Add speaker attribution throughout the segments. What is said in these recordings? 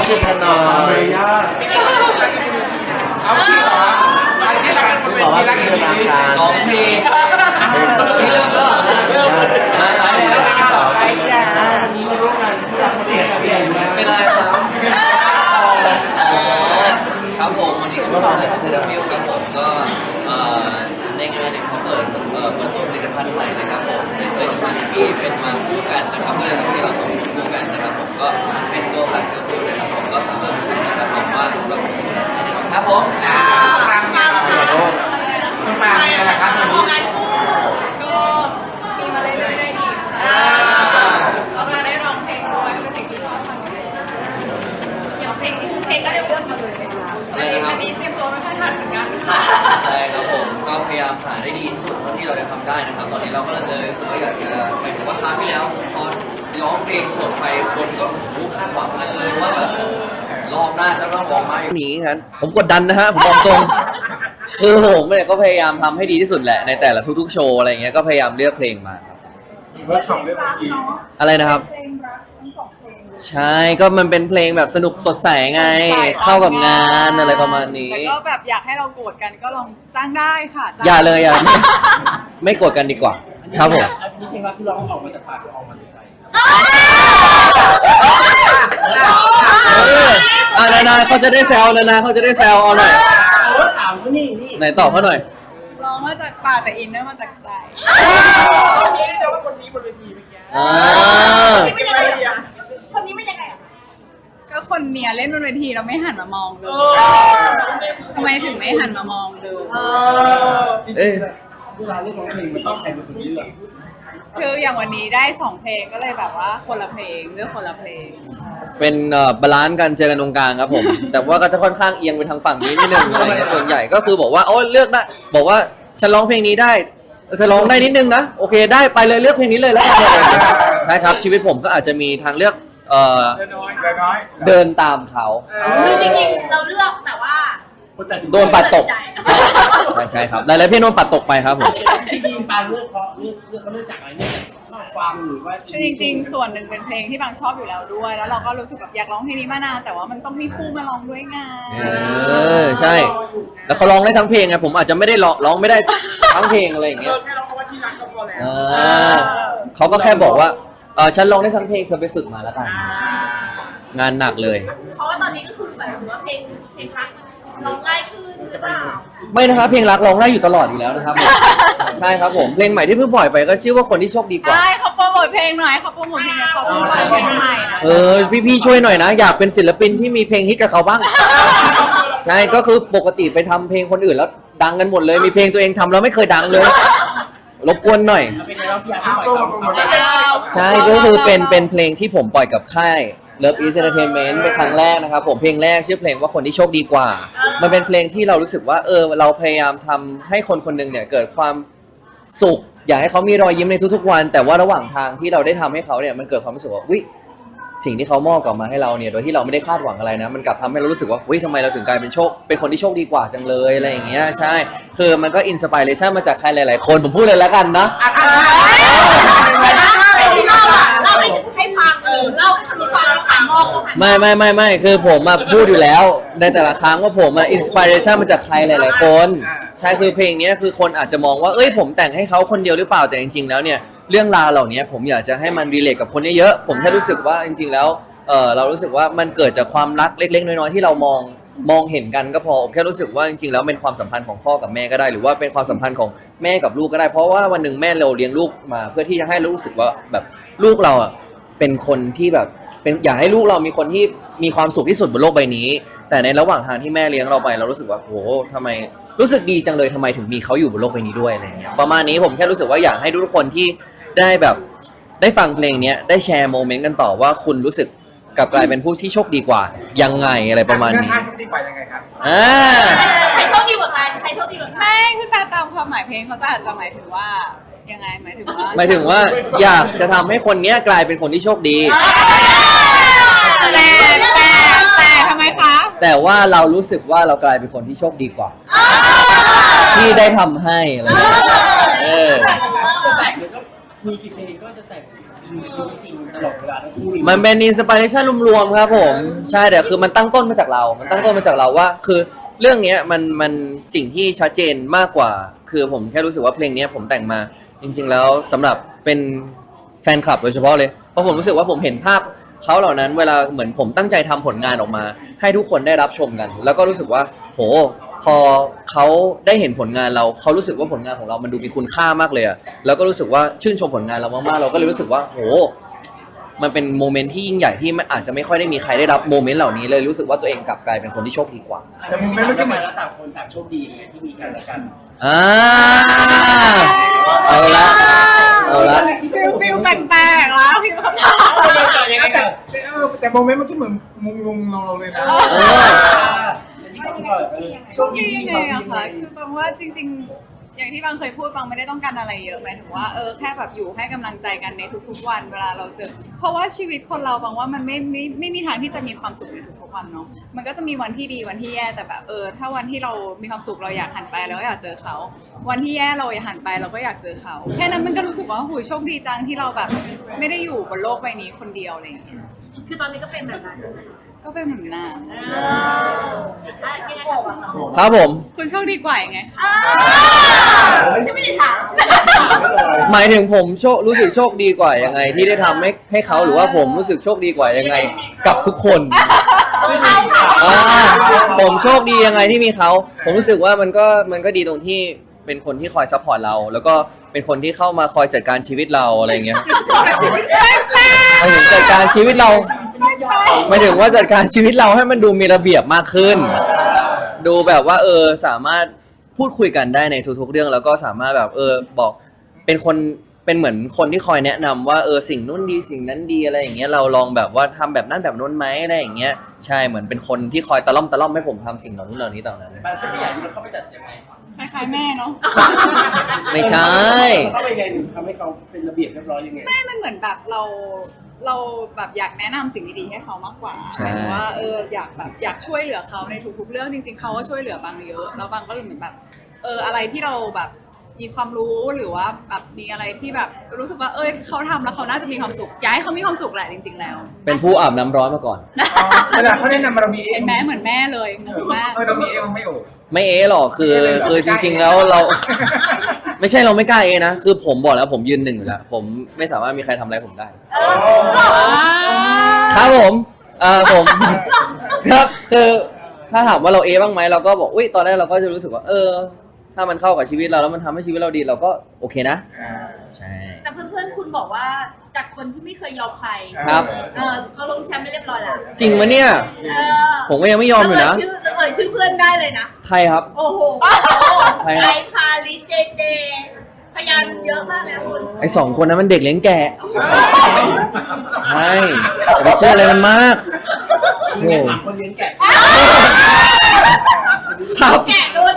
Speaker 1: ขึ้นมาหน่อย
Speaker 2: เอาที่เหรอไปที่รักกันบนเวทีรักกันดีๆ
Speaker 3: ร้องเพลง
Speaker 1: ที่เริ่มก็เริ่มสองไปจ้า
Speaker 4: วันนี้มาร่วมงานที่รักเสียงเปลี่ยนมา
Speaker 3: เป็นอะไรครับครับผมวันนี้ก็มาเซราฟิลครับผมก็ในงานเนี่ยเขาเปิดตัวผลิตภัณฑ์ใหม่นะครับผมเป็นผลิตภัณฑ์ที่เป็นมาคู่กันนะครับก็เลยทำให้เราสองคนคู่กันนะครับผมก็เป็นตัวพาสเซลฟิลนะครับผมก็สามารถใช้ได้รับรองว่าสำหรับคนที่ใช้ได้ครับผม
Speaker 2: ตามงานเราค่ะคุณตามงานนะครับวันนี้
Speaker 5: งานคู่ก็มีมาเรื่อยๆได้ดีแล้วก็ได้ร้องเพลงด้วยเป็นสิ่งที่ชอบทำอย่างเพลงก็ได้เลือกมาเลยอันนี้เตรียมตัวไม่ค่อยทันเหมือนกันค่ะ
Speaker 3: ใช่ครับผมก็พยายามหาได้ดีที่สุดเท่าที่เราจะทำได้นะครับตอนนี้เราก็เลยรู้สึกว่าอยากจะหมายถึงว่าครั้งที่แล้วพอร้องเพลงสดไปคนก็คาดหวังกันเลยว่าแบบรอบหน้าจะต้องร้องมาอย่างนี้งั้นผมกดดันนะฮะผมบอกตรงคือผมเนี่ยก็พยายามทำให้ดีที่สุดแหละในแต่ละทุกๆโชว์อะไรเงี้ยก็พยายามเลือกเพลงมาครับ
Speaker 2: เวิร์กช็อปเรื่องเมื่อกี้
Speaker 3: อะไรนะครับ
Speaker 5: เพลงรักทั้งสองเพลง
Speaker 3: ใช่ก็มันเป็นเพลงแบบสนุกสดใสไงเข้ากับงานอะไรประมาณนี้
Speaker 5: แต่ก็แบบอยากให้เราโกรธกันก็ลองจ้างได้ค่ะ
Speaker 3: อย่าเลยอย่าไม่โกรธกันดีกว่าครับผม
Speaker 4: อันนี้เพลงรักที่ร้องออกมาจากปากหรือออกมาจากใจ
Speaker 3: นาเขาจะได้แซวนาเขาจะได้แซวเอาหน่อย
Speaker 4: โอ้ถามเขานี่
Speaker 3: ไหนตอบเขาหน่อย
Speaker 5: ร้องมาจากปากแต่อินเนอร์มาจากใจ
Speaker 4: ชี้ได้ว่าคนนี้บนเวทีเมื่อกี้
Speaker 5: ไม่ยังไงอ่ะคนนี้ไม่ยังไงอ่ะก็คนเนี้ยเล่นบนเวทีเราไม่หันมามองเลยทำไมถึงไม่หันมามองเลย
Speaker 3: เอ้ย
Speaker 4: เวลาเลือกร้องเพลงมันต้องใครเป็นคนเลือก
Speaker 5: คืออย่างวันนี้ได้2เพลงก็เลยแบบว่าคนละเพลงเลือกคนละเพลง
Speaker 3: เป็นบาลานซ์กันเจอกันตรงกลางครับผม แต่ว่าก็จะค่อนข้างเอียงไปทางฝั่งนี้นิดนึงอะไรเงี้ยส่วนใหญ่ก็คือบอกว่าโอ้เลือกได้บอกว่าฉันร้องเพลงนี้ได้จะร้องได้นิดนึงนะโอเคได้ไปเลยเลือกเพลงนี้เลยแล้วกันใช่ครับชีวิตผมก็อาจจะมีทางเลือกเดินตามเขา
Speaker 5: คือจริงๆเราเลือกแต่ว่า
Speaker 4: คนตัดสิน
Speaker 3: โดนปัดตกใช่ครับหลายๆเพลงโดนปัดตกไปครับผม
Speaker 4: ที่ดีปางเลือกเพราะเลือกเขาเลือกจากอะไรเนี่ยชอบฟังหรือว่า
Speaker 5: คือจริงๆส่วนหนึ่งเป็นเพลงที่บางชอบอยู่แล้วด้วย แล้วเราก็รู้สึกแบบอยากร้องเพลงนี้มานานแต่ว่ามันต้องมีคู่มาร้องด้วยไง
Speaker 3: ใช่แล้วเขาร้องได้ทั้งเพลงไงผมอาจจะไม่ได้ร้องไม่ได้ทั้งเพลงอะไรอย่างเงี้ย
Speaker 2: แค่ร้องคำว่าที่รักก็พอแล้ว
Speaker 3: เขาก็แค่บอกว่าฉันร้องได้ทั้งเพลงเธอไปฝึกมาแล้วกันงานหนักเลย
Speaker 5: เพราะว่าตอนนี้ก็คือแบบว่าเพลงรักร้องง่ายขึ้นหรือเปล่า
Speaker 3: ไม่นะครับเพลงรักร้องได้อยู่ตลอดอยู่แล้วนะครับ ใช่ครับผมเพลงใหม่ที่เพิ่งปล่อยไปก็ชื่อว่าคนที่โชคดีกว่า
Speaker 5: ใช่เขาโปรโมทเพลงหน่อยเขาโปรโมทเพลงเขาโปรโมทเพลงใหม่นะ
Speaker 3: พี่ช่วยหน่อยนะอยากเป็นศิลปินที่มีเพลงฮิตกับเขาบ้าง ใช่ก็คือปกติไปทำเพลงคนอื่นแล้วดังกันหมดเลยมีเพลงตัวเองทำแล้วไม่เคยดังเลยรบกวนหน่อย
Speaker 4: เป็นไงเราอยากให้ปล่อยเขา
Speaker 3: ใช่ก็คือเป็นเพลงที่ผมปล่อยกับค่าย Love Is Entertainment เป็นครั้งแรกนะครับผมเพลงแรกชื่อเพลงว่าคนที่โชคดีกว่า มันเป็นเพลงที่เรารู้สึกว่าเราพยายามทำให้คนคนหนึงเนี่ยเกิดความสุขอยากให้เขามีรอยยิ้มในทุกๆวัน แต่ว่าระหว่างทางที่เราได้ทำให้เขาเนี่ยมันเกิดความรู้สึกว่าวิสิ่งที่เขามอบกลับมาให้เราเนี่ยโดยที่เราไม่ได้คาดหวังอะไรนะมันกลับทำให้เรารู้สึกว่าทำไมเราถึงกลายเป็นคนที่โชคดีกว่าจังเลยอะไรอย่างเงี้ยใช่คือมันก็อินสปิเรชันมาจากใครหลายๆคนผมพูดเลยแล้วกันนะ
Speaker 5: เล่าให้ฟังเล่าให้คนที่ฟังผ่านมองผ่าน
Speaker 3: ไม่คือผมมาพูดอยู่แล้วในแต่ละครั้งว่าผมอินสปิเรชันมาจากใครหลายๆคนใช่คือเพลงนี้คือคนอาจจะมองว่าผมแต่งให้เขาคนเดียวหรือเปล่าแต่จริงๆแล้วเนี่ยเรื่องราวเหล่านี้ผมอยากจะให้มันรีเลทกับคนเยอะๆผมแค่รู้สึกว่าจริงๆแล้วเรารู้สึกว่ามันเกิดจากความรักเล็กๆน้อยๆที่เรามองเห็นกันก็พอผมแค่รู้สึกว่าจริงๆแล้วเป็นความสัมพันธ์ของพ่อกับแม่ก็ได้หรือว่าเป็นความสัมพันธ์ของแม่กับลูกก็ได้เพราะว่าวันหนึ่งแม่เราเลี้ยงลูกมาเพื่อที่จะให้รู้สึกว่าแบบลูกเราเป็นคนที่แบบอยากให้ลูกเรามีคนที่มีความสุขที่สุดบนโลกใบนี้แต่ในระหว่างทางที่แม่เลี้ยงเราไปเรารู้สึกว่าโหทำไมรู้สึกดีจังเลยทำไมถึงมีเขาอยู่บนโลกใบนี้ด้วยอะไรเงี้ยประมาณนี้ผมแค่รู้สึกว่าอยากให้ทุกคนที่ได้แบบได้ฟังเพลงนี้ได้แชร์โมเมนต์กันต่อว่าคุณรู้สึกกลับกลายเป็นผู้ที่โชคดีกว่ายังไงอะไรประมาณนี้
Speaker 2: โชคดีกว่ายังไงครับ
Speaker 5: ใครโชคดีกว่ากันใครโชคดีกว่ากันไม่คือตามความหมายเพลงเขาจะอาจจะหมายถึงว่ายังไงหมายถึงว่า
Speaker 3: อยากจะทำให้คนเนี้ยกลายเป็นคนที่โชคดี
Speaker 5: แต่ทำไมคะ
Speaker 3: แต่ว่าเรารู้สึกว่าเรากลายเป็นคนที่โชคดีกว่าที่ได้ทำให้อะไร
Speaker 4: แต่งเลยก็มีกี่เพลงก็จะแต่งอินกับชีวิตจริงตลอดเวลาทั้งคู่เลย
Speaker 3: มันเป็นอินสปิเรชันรวมๆครับผมใช่แต่คือมันตั้งต้นมาจากเรา มันตั้งต้นมาจากเราว่าคือเรื่องเนี้ยมันสิ่งที่ชัดเจนมากกว่า คือผมแค่รู้สึกว่าเพลงเนี้ยผมแต่งมาจริงๆแล้วสำหรับเป็นแฟนคลับโดยเฉพาะเลยเพราะผมรู้สึกว่าผมเห็นภาพเขาเหล่านั้นเวลาเหมือนผมตั้งใจทำผลงานออกมา ให้ทุกคนได้รับชมกัน แล้วก็รู้สึกว่าโหพอเขาได้เห็นผลงานเราเขารู้สึกว่าผลงานของเรามันดูมีคุณค่ามากเลยอะแล้วก็รู้สึกว่าชื่นชมผลงานเรามากๆเราก็เลยรู้สึกว่าโหมันเป็นโมเมนต์ที่ยิ่งใหญ่ที่อาจจะไม่ค่อยได้มีใครได้รับโมเมนต์เหล่านี้เลยรู้สึกว่าตัวเองกลับกลายเป็นคนที่โชคดีกว่า
Speaker 4: แต่มุมไม่ก็เหมือนแล้วต่างคนต่างโชคดีไงที่มีกันและกัน
Speaker 3: อ่าเอาละเอาละ
Speaker 5: ฟิลแปลกๆแล้วฟิลคำถาม
Speaker 2: แต่โมเมนต์เมื่อกี้เหมือนมุงเราเลยนะ
Speaker 5: โชคดียังไงอะคะคือบางว่าจริงๆ อย่างที่บางเคยพูดบางไม่ได้ต้องการอะไรเยอะหมายถึงว่าแค่แบบอยู่ให้กำลังใจกันในทุกๆวันเวลาเราเจอเพราะว่าชีวิตคนเราบางว่ามันไม่มีทางที่จะมีความสุขในทุกๆวันเนาะมันก็จะมีวันที่ดีวันที่แย่แต่แบบถ้าวันที่เรามีความสุขเราอยากหันไปเราก็อยากเจอเขาวันที่แย่เราอยากหันไปเราก็อยากเจอเขาแค่นั้นมันก็รู้สึกว่าหูยโชคดีจังที่เราแบบไม่ได้อยู่บนโลกใบนี้คนเดียวอะไรอย่างเงี้ย
Speaker 6: คือตอนนี้ก็เป็นแบบนั้น
Speaker 5: ก็เป็นเหมือนน้
Speaker 6: ยังไงคะ
Speaker 3: ครับผม
Speaker 5: ำคุณโชคดีกว่ายังไง
Speaker 6: ฉันไม่ได้ถาม
Speaker 3: หมายถึงผมรู้สึกโชคดีกว่ายังไงที่ได้ทำให้เขาหรือว่าผมรู้สึกโชคดีกว่ายังไงกับทุกคนผมโชคดียังไงที่มีเขาผมรู้สึกว่ามันก็ดีตรงที่เป็นคนที่คอยซัพพอร์ตเรา แล้วก็เป็นคนที่เข้ามาคอยจัดการชีวิตเราอะไรอย่างเงี้ยหมายถึงจัดการชีวิตเราหมายถึงว่าจัดการชีวิตเราให้มันดูมีระเบียบมากขึ้น ดูแบบว่าสามารถพูดคุยกันได้ในทุกๆเรื่องแล้วก็สามารถแบบบอกเป็นเหมือนคนที่คอยแนะนำว่าสิ่งนู้นดีสิ่งนั้นดีอะไรอย่างเงี้ยเราลองแบบว่าทำแบบนั้นแบบนู้นไหมอะไรอย่างเงี้ยใช่เหมือนเป็นคนที่คอยตะล่อมให้ผมทำสิ่งเหล่านี้ต่อนั้น
Speaker 4: บ้านเป็นผู้ใหญ่ที่เขาไปจัดยังไง
Speaker 5: คล้ายๆแม่เนาะ
Speaker 3: ไม่ใช่
Speaker 4: เขาไปยังไงถึงทำให้เขาเป็นระเบียบเรียบร้อยยังไง
Speaker 5: ไม่มันเหมือนแบบเราแบบอยากแนะนำสิ่งดีๆให้เขามากกว่า
Speaker 3: ใช่
Speaker 5: หมายถึงว่าอยากช่วยเหลือเขาในทุกๆเรื่องจริงๆเขาก็ช่วยเหลือบางเยอะแล้วบางก็เหมือนแบบอะไรที่เราแบบมีความรู้หรือว่าแบบมีอะไรที่แบบรู้สึกว่าเขาทำแล้วเขาน่าจะมีความสุขอยากให้เขามีความสุขแหละจริงๆแล้ว
Speaker 3: เป็นผู้อาบน้ำร้อนมาก่อน
Speaker 2: เวลาเขาแนะนำมาเรามีเอ
Speaker 5: เป็
Speaker 2: ง
Speaker 5: นแม่เหมือนแม่เลยงงมาก
Speaker 2: เรามีเองไม่โอ้
Speaker 3: ไม่หรอกคือจริงๆแล้วเรา ไม่ใช่เราไม่กล้านะคือผมบอกแล้วผมยืนหนึ่งอยู่แล้วผมไม่สามารถมีใครทำอะไรผมได้ ครับผมผม ครับคือถ้าถามว่าเราบ้างไหมเราก็บอกอุ้ยตอนแรกเราก็จะรู้สึกว่าถ้ามันเข้ากับชีวิตเราแล้วมันทำให้ชีวิตเราดีเราก็โอเคนะใช่
Speaker 6: แต่เพื่อนๆคุณบอกว่าจากคนที่ไม่เคยยอมใคร
Speaker 3: ครับ
Speaker 6: เขาลงแชมป์ไม่เรียบร้อยแล้ว
Speaker 3: จริงมะเนี่ยผมก็ยังไม่ยอมอยู่นะ
Speaker 6: ชื่อเพื่อนได้เลยนะ
Speaker 3: ใครครับ
Speaker 6: โอ้โห
Speaker 3: ใครครับ
Speaker 6: ไอพาลิเจเจพยานเยอะมากเลยคุณ
Speaker 3: ไอ้2 คนนั้นมันเด็กเลี้ยงแกะใช่อย่าไปเชื่ออะไรมันมากโอ้
Speaker 4: ถามคนเลี้ยงแกะ
Speaker 3: ครับ
Speaker 6: แกะโดน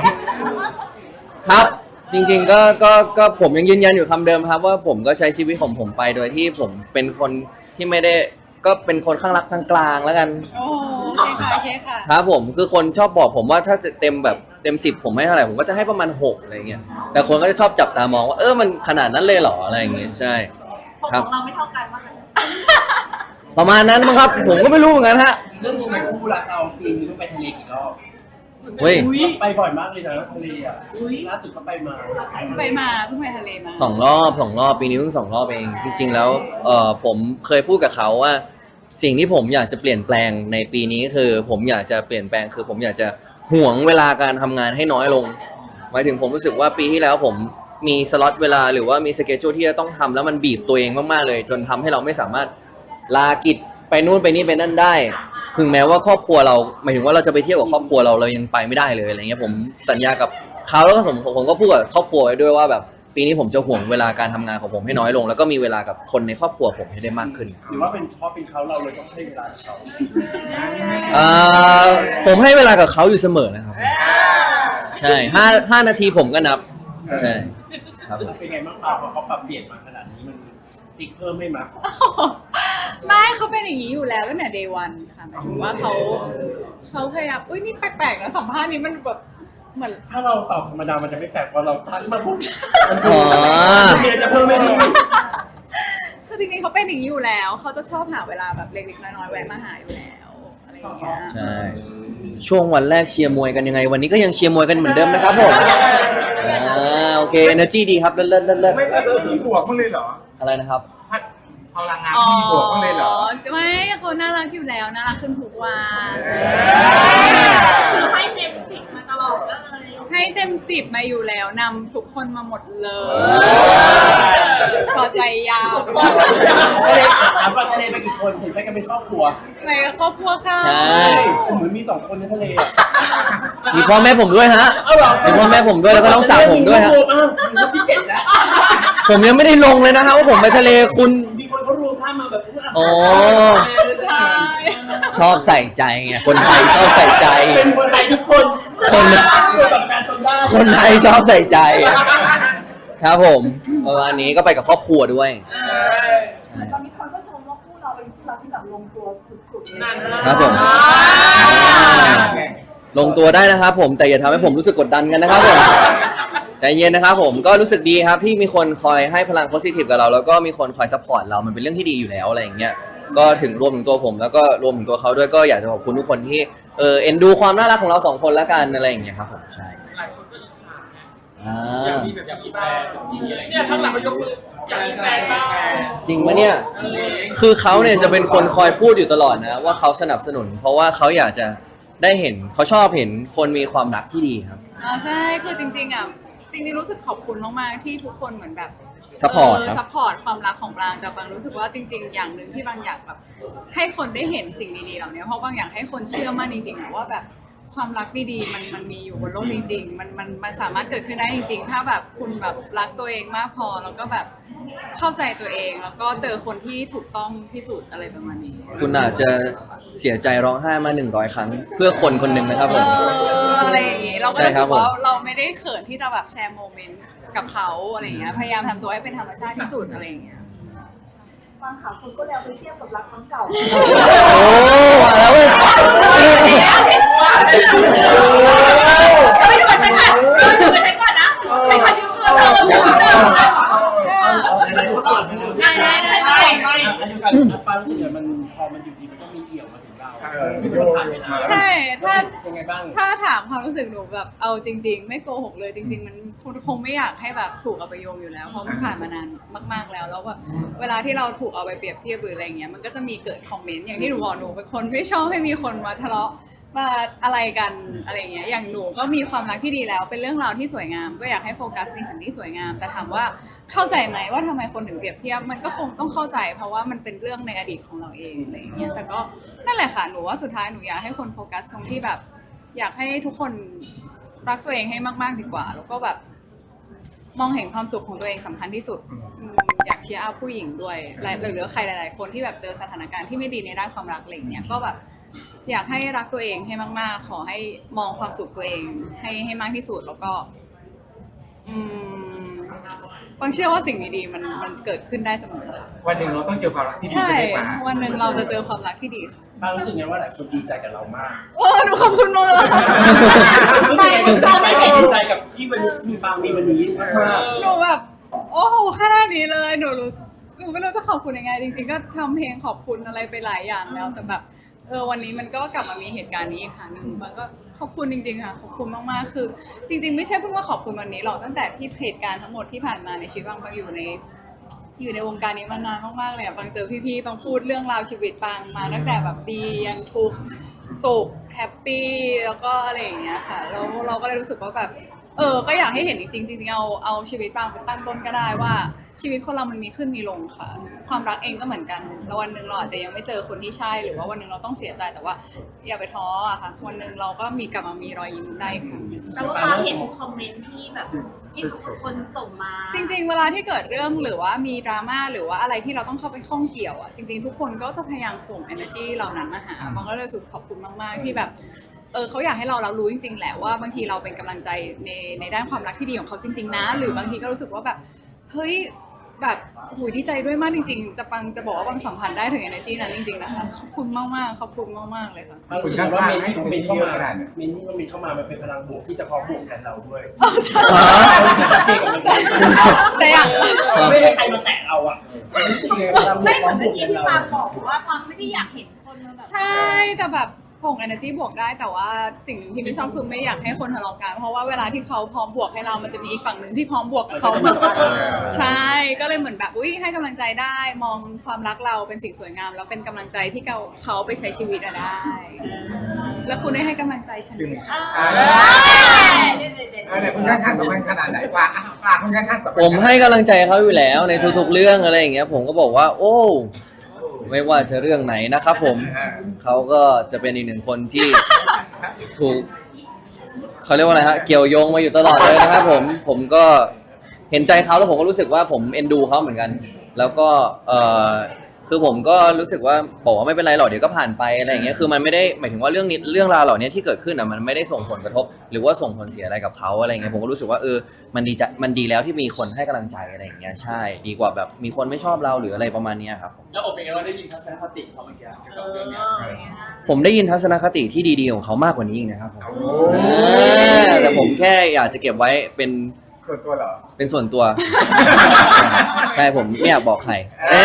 Speaker 3: ครับจริงๆก็ผมยังยืนยันอยู่คำเดิมครับว่าผมก็ใช้ชีวิตของผมไปโดยที่ผมเป็นคนที่ไม่ได้ก็เป็นคนข้างรักกลางๆแล้วกัน
Speaker 5: โอ้โอเคค่ะ
Speaker 3: ครับผมคือคนชอบบอกผมว่าถ้าจะเต็มแบบเต็ม10ผมให้เท่าไหร่ผมก็จะให้ประมาณ6อะไรเงี้ยแต่คนก็จะชอบจับตามองว่ามันขนาดนั้นเลยเหรออะไรอย่างเงี้ยใช่
Speaker 6: ของ
Speaker 3: ครับ
Speaker 6: เราไม่เท่ากันมากเลย
Speaker 3: ประมาณนั้นมั้งครับผมก็ไม่รู้เหมือนกันฮะ
Speaker 4: เรื่องนี้คู่รักเราปีนึงต้องไปทะเลกี่รอบ
Speaker 3: เฮ้ย
Speaker 4: ไปบ่อยมากเลยนะทะเลอ่ะล่าสุดเขาไปมา
Speaker 5: เพิ่งไปทะเลมา
Speaker 3: 2 รอบปีนี้เพิ่ง2 รอบเองจริงๆแล้วผมเคยพูดกับเขาว่าสิ่งที่ผมอยากจะเปลี่ยนแปลงในปีนี้คือผมอยากจะเปลี่ยนแปลงคือผมอยากจะห่วงเวลาการทำงานให้น้อยลงหมายถึงผมรู้สึกว่าปีที่แล้วผมมีสล็อตเวลาหรือว่ามีสเกจจูที่จะต้องทำแล้วมันบีบตัวเองมากๆเลยจนทำให้เราไม่สามารถลากิจไปนู่นไปนี่ไปนั่นได้ถึงแม้ว่าครอบครัวเราหมายถึงว่าเราจะไปเที่ยวกับครอบครัวเรายังไปไม่ได้เลยอะไรเงี้ยผมสัญญากับเขาแล้วก็ผมก็พูดกับครอบครัวไว้ด้วยว่าแบบปีนี้ผมจะห่วงเวลาการทำงานของผมให้น้อยลงแล้วก็มีเวลากับคนในครอบครัวผมให้ได้มากขึ้น
Speaker 4: หรือว่าเป็นเพราะเป็นเขาเราเลยต้องให้เวลาเขา
Speaker 3: ผมให้เวลากับเขาอยู่เสมอนะครับใช่5 นาทีผมก็นับใช่ครับผม
Speaker 4: เป็นไงบ้างพอเขาปรับเปลี่ยนมาขนาดนี้มันติ๊กเพิ่มไม่มา
Speaker 5: ไม่เขาเป็นอย่างนี้อยู่แล้วตั้งแต่ day one ค่ะหมายถึงว่าเขาพยายามอุ้ยนี่แปลกๆนะสัมภาษณ์นี้มันแบบเหมือน
Speaker 4: ถ้าเราตอบธรรมดามันจะไม่แปลกพอเราทักมาปุ๊บมัน
Speaker 3: อ๋อ
Speaker 4: มีอะไรจะเพิ่มไหมดี
Speaker 5: คืคือจริงๆเขาเป็นอย่างนี้อยู่แล้วเขาจะชอบหาเวลาแบบเล็กๆน้อยๆแวะมาหาอยู่แล้วอะไรอย่างเงี้ย
Speaker 3: ใช่ช่วงวันแรกเชียร์มวยกันยังไง วันนี้ก็ยังเชียร์มวยกันเหมือนเดิมนะครับผมโอเค energy ดีครับเลิศ
Speaker 2: ไม่มีบวกมั้างเลยเหรอ
Speaker 3: อะไรนะครับ
Speaker 2: พลังงานมีบวกมั้างเลยเหรอ
Speaker 5: ไม่เขาน่ารักอยู่แล้วน่ารักขึ้นทุกวัน
Speaker 6: คือให้เต็มสิบมาตลอดก็เลย
Speaker 5: ให้เต็ม10มาอยู่แล้วนำทุกคนมาหมดเลยพอใจยาว
Speaker 4: ถามว่าทะเลไปกี่คนเห็นไปกันเป็นครอบครัว
Speaker 5: ในครอบครัวค่ะ
Speaker 3: ใช่
Speaker 4: เหมือนมี2 คนในทะเล
Speaker 3: มีพ่อแม่ผมด้วยฮะมีพ่อแม่ผมด้วยแล้วก็น้องสาวผมด้วยฮะ
Speaker 4: มีคนที่7แล้ว
Speaker 3: ผมยังไม่ได้ลงเลยนะฮะว่าผมไปทะเลคุณ
Speaker 4: มีคนเขารวมภาพมาแบบ
Speaker 3: โอ้
Speaker 5: ใช่
Speaker 3: ชอบใส่ใจไงคนไทยชอบใส่ใจ
Speaker 4: เป็นคนไทยทุกคน
Speaker 3: คน
Speaker 4: แบบการชมได้
Speaker 3: คนไทยชอบใส่ใจครับผมอันนี้ก็ไปกับครอบครัวด้วย
Speaker 7: ตอนนี้คนก็ชมว่าคู่เราเป็นคู่รักที่แบบลงตัวสุดๆเลย
Speaker 3: ครับผมลงตัวได้นะครับผมแต่อย่าทำให้ผมรู้สึกกดดันกันนะครับผมใจเย็นนะครับผมก็รู้สึกดีครับที่มีคนคอยให้พลังโพสิทีฟกับเราแล้วก็มีคนคอยซัพพอร์ตเรามันเป็นเรื่องที่ดีอยู่แล้วอะไรอย่างเงี้ยก็ถึงรวมถึงตัวผมแล้วก็รวมถึงตัวเขาด้วยก็อยากจะขอบคุณทุกคนที่เอ็นดูความน่ารักของเรา2 คนแล้วกันอะไรอย่างเงี้ยครับผมใช่หลายคนก็อิจฉาอยากมีแบบอยากมีแฟนเนี่ยข้างหลังมายกมืออยากมีแฟนบ้างจริงปะเนี่ยคือเขาเนี่ยจะเป็นคนคอยพูดอยู่ตลอดนะว่าเขาสนับสนุนเพราะว่าเขาอยากจะได้เห็นเขาชอบเห็นคนมีความรักที่ดีครับ
Speaker 5: ใช่คือจริงๆจริงๆรู้สึกขอบคุณมากๆที่ทุกคนเหมือนแบบ
Speaker 3: ซัพพอร์ตครับ
Speaker 5: ซัพพอร์ตความรักของบางแต่บางรู้สึกว่าจริง ๆ อย่างหนึ่งที่บางอยากแบบให้คนได้เห็นสิ่งดีๆเหล่านี้เพราะบางอยากให้คนเชื่อมั่นจริงๆนะว่าแบบความรักดีๆมันมีอยู่บนโลกจริงๆมันสามารถเกิดขึ้นได้จริงๆถ้าแบบคุณแบบรักตัวเองมากพอแล้วก็แบบเข้าใจตัวเองแล้วก็เจอคนที่ถูกต้องที่สุดอะไรประมาณนี้
Speaker 3: คุณอาจจะเสียใจร้องไห้มา100 ครั้งเพื่อคนคนหนึ่งนะครับผม
Speaker 5: อะไรอย่างงี้เราก็
Speaker 3: ใช่
Speaker 5: รู้
Speaker 3: ครั
Speaker 5: สึ
Speaker 3: บ
Speaker 5: กว่า
Speaker 3: ผม
Speaker 5: เราไม่ได้เขินที่จะแบบแชร์โมเมนต์กับเขาอะไรอย่างเงี้ยพยายามทำตัวให้เป็นธรรมชาติที่สุดอะไรอย่างเงี้ย
Speaker 7: บางข่าวคนก็แล้วไปเทียบกับรักครั้งเก่า
Speaker 3: โอ้มาแล้วเว้ย
Speaker 6: ไม่ได้ไปไหนไม่ได้ก่อนนะไม่ทันยืมเงินเรา
Speaker 4: ไม่อันเดียวกันปารู้สึกมันพอมันอยู่ดีมันก็มีเอี่ยวมาถึงเรามันผ่านเวลา
Speaker 5: ใช่ถ้า
Speaker 4: ยังไงบ้าง
Speaker 5: ถ้าถามความรู้สึกหนูแบบเอาจริง ๆ ไม่โกหกเลยจริง ๆ มันคงไม่อยากให้แบบถูกเอาไปโยงอยู่แล้วเพราะมันผ่านมานานมากๆแล้วแบบเวลาที่เราถูกเอาไปเปรียบเทียบหรืออะไรเงี้ยมันก็จะมีเกิดคอมเมนต์อย่างที่หนูบอกหนูเป็นคนไม่ชอบให้มีคนมาทะเลาะมาอะไรกันอะไรเงี้ยอย่างหนูก็มีความรักที่ดีแล้วเป็นเรื่องราวที่สวยงามก็อยากให้โฟกัสในสิ่งที่สวยงามแต่ถามว่าเข้าใจไหมว่าทำไมคนถึงเปรียบเทียบมันก็คงต้องเข้าใจเพราะว่ามันเป็นเรื่องในอดีตของเราเองอะไรเงี้ยแต่ก็นั่นแหละค่ะหนูว่าสุดท้ายหนูอยากให้คนโฟกัสตรงที่แบบอยากให้ทุกคนรักตัวเองให้มากๆดีกว่าแล้วก็แบบมองเห็นความสุขของตัวเองสำคัญที่สุดอยากเชียร์อัพผู้หญิงด้วยหรือใครหลายๆคนที่แบบเจอสถานการณ์ที่ไม่ดีในด้านความรักอะไรเงี้ยก็แบบอยากให้รักตัวเองให้มากๆขอให้มองความสุขตัวเองให้มากที่สุดแล้วก็บางเชื่อว่าสิ่งดีๆมันเกิดขึ้นได้เสมอค่ะ
Speaker 2: วันหนึ่งเราต้องเจอความรักที่ดี
Speaker 5: ใช่
Speaker 2: ใช่ไหม
Speaker 5: วันหนึ่งเราจะเจอความรักที่ดีค่ะ
Speaker 4: ปารู้สึกไงว่าหลายคนดีใจกับเรามาก
Speaker 5: โอ้หนูขอบคุณมากเลย
Speaker 4: รู้สึกไงดีใจกับที่มันมีปางมีวันนี้มาก
Speaker 5: หนูแบบโอ้โหขนาดนี้เลยหนูไม่รู้จะขอบคุณยังไงจริงๆก็ทำเพลงขอบคุณอะไรไปหลายอย่างแล้วแต่แบบวันนี้มันก็กลับมามีเหตุการณ์นี้อีกครั้งหนึ่งมันก็ขอบคุณจริงๆค่ะขอบคุณมากๆคือจริงๆไม่ใช่เพิ่งมาขอบคุณวันนี้หรอกตั้งแต่ที่เหตุการณ์ทั้งหมดที่ผ่านมาในชีวิตบางอยู่ในวงการนี้มานานมากๆเลยบางเจอพี่ๆบางพูดเรื่องราวชีวิตบางมาตั้งแต่แบบดียันทุกข์สุขแฮปปี้แล้วก็อะไรอย่างเงี้ยค่ะแล้วเราก็เลยรู้สึกว่าแบบก็อยากให้เห็นจริงๆจริงๆเอาชีวิตบางไปตั้งต้นก็ได้ว่าชีวิตคนเรามันมีขึ้นมีลงค่ะความรักเองก็เหมือนกันแล้ววันหนึ่งเราอาจจะยังไม่เจอคนที่ใช่หรือว่าวันหนึ่งเราต้องเสียใจแต่ว่าอย่าไปท้ออะค่ะวันหนึ่งเราก็มีกลับมามีรอยยิ้มได้ค่ะ
Speaker 6: แต่ว่าเราเห็นคอมเมนต์ที่แบบที่คนส่งมา
Speaker 5: จริงๆเวลาที่เกิดเรื่องหรือว่ามีดราม่าหรือว่าอะไรที่เราต้องเข้าไปข้องเกี่ยวอ่ะจริงๆทุกคนก็จะพยายามส่ง energy เหล่านั้นมาหาบางก็เลยรู้สึกขอบคุณมากๆที่แบบเขาอยากให้เรารู้จริงๆแหละว่าบางทีเราเป็นกำลังใจในด้านความรักที่ดีของเขาจริงๆนะหรือบางทีก็รู้สึกว่าแบบเฮ้ยแบบหูยดีใจด้วยมากจริงๆแต่ปังจะบอกว่าปังสัมผัสได้ถึง energy นั้นจริงๆนะคะขอบคุณมากๆขอบคุณมากๆเลยค่ะ
Speaker 4: บางทีว่าเมนเข้ามาเมนเข้ามามันเป็นพลังบวกที่จะพร้อมบวกแทนเราด้วย
Speaker 5: แต่อยาก
Speaker 4: ไม่ได้ใครมาแตะเราอ่ะรู้สึกไงพลังบว
Speaker 6: ไม่
Speaker 4: ก
Speaker 6: เห
Speaker 4: พร้
Speaker 6: มื
Speaker 4: อ
Speaker 6: อน
Speaker 4: มบ
Speaker 6: เมื่
Speaker 4: ว
Speaker 6: อก กี้
Speaker 4: แทน
Speaker 6: ที่
Speaker 4: เรา
Speaker 6: ปาบอกว่าปาไม่ได้อยากเห็นคนมาแบบ
Speaker 5: ใช่แต่แบบส่ง energy บวกได้แต่ว่าสิ่งหนึ่งที่ไม่ชอบคือไม่อยากให้คนทะเลาะกันเพราะว่าเวลาที่เขาพร้อมบวกให้เรามันจะมีอีกฝั่งหนึ่งที่พร้อมบวกกับเขาเหมือนกันใช่ก็เลยเหมือนแบบอุ้ยให้กำลังใจได้มองความรักเราเป็นสิ่งสวยงามแล้วเป็นกำลังใจที่เขาไปใช้ชีวิตได้ แล้วคุณได้ให้กำลังใจฉันไหมคะ
Speaker 2: เนี่ยคุณข้างๆสำคัญขนาดไหนวะปลาคุณข้างๆสำคัญ
Speaker 3: ผมให้กำลังใจเขาอยู่แล้วในทุกๆเรื่องอะไรอย่างเงี้ยผมก็บอกว่า โอ้ไม่ว่าจะเรื่องไหนนะครับผมเขาก็จะเป็นอีกหนึ่งคนที่ถูกเขาเรียกว่าอะไรฮะเกี่ยวโยงมาอยู่ตลอดเลยนะครับผมก็เห็นใจเขาแล้วผมก็รู้สึกว่าผมเอ็นดูเขาเหมือนกัน แล้วก็คือผมก็รู้สึกว่าบอกว่าไม่เป็นไรหรอกเดี๋ยวก็ผ่านไปอะไรอย่างเงี้ยคือมันไม่ได้หมายถึงว่าเรื่องราวเหล่านี้ที่เกิดขึ้นอ่ะมันไม่ได้ส่งผลกระทบ หรือว่าส่งผลเสียอะไรกับเขาอะไรเงี้ยผมก็รู้สึกว่ามันดีแล้วที่มีคนให้กำลังใจอะไรอย่างเงี้ยใช่ดีกว่าแบบมีคนไม่ชอบเราหรืออะไรประมาณเนี้ยครับ
Speaker 1: แล้วอบเป็นไงว่าได้ยินทัศนคติเขาเมื่อกี้เกี่ยวกับเรื่องเนี้ย
Speaker 3: ผมได้ยินทัศนคติที่ดีๆของเขามากกว่านี้อีกนะครับผมแต่ผมแค่อยากจะเก็บไว้เป็น
Speaker 2: ตัวเหรอ
Speaker 3: เป็นส่วนตัว ใช่ผมไม่อยากบอกใคร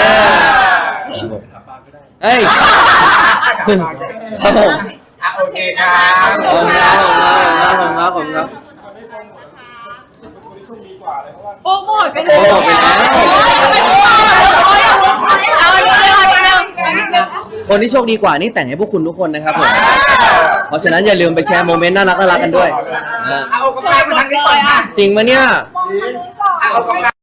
Speaker 3: เอ้ยครับผม
Speaker 2: โอเคครับ
Speaker 3: ขอบคุณครับขอบคุณครับ
Speaker 5: โปรโมทไปเลย
Speaker 3: โปรโมทไปแล้ว คนที่โชคดีกว่านี่แต่งให้พวกคุณทุกคนนะครับผม เพราะฉะนั้นอย่าลืมไปแชร์โมเมนต์น่ารักกันด้วย
Speaker 2: เอากำลังมาทางนี้ก่อน
Speaker 3: จริงไหมเนี่ย
Speaker 7: มองทางนู้นก่อน
Speaker 2: เอากำลัง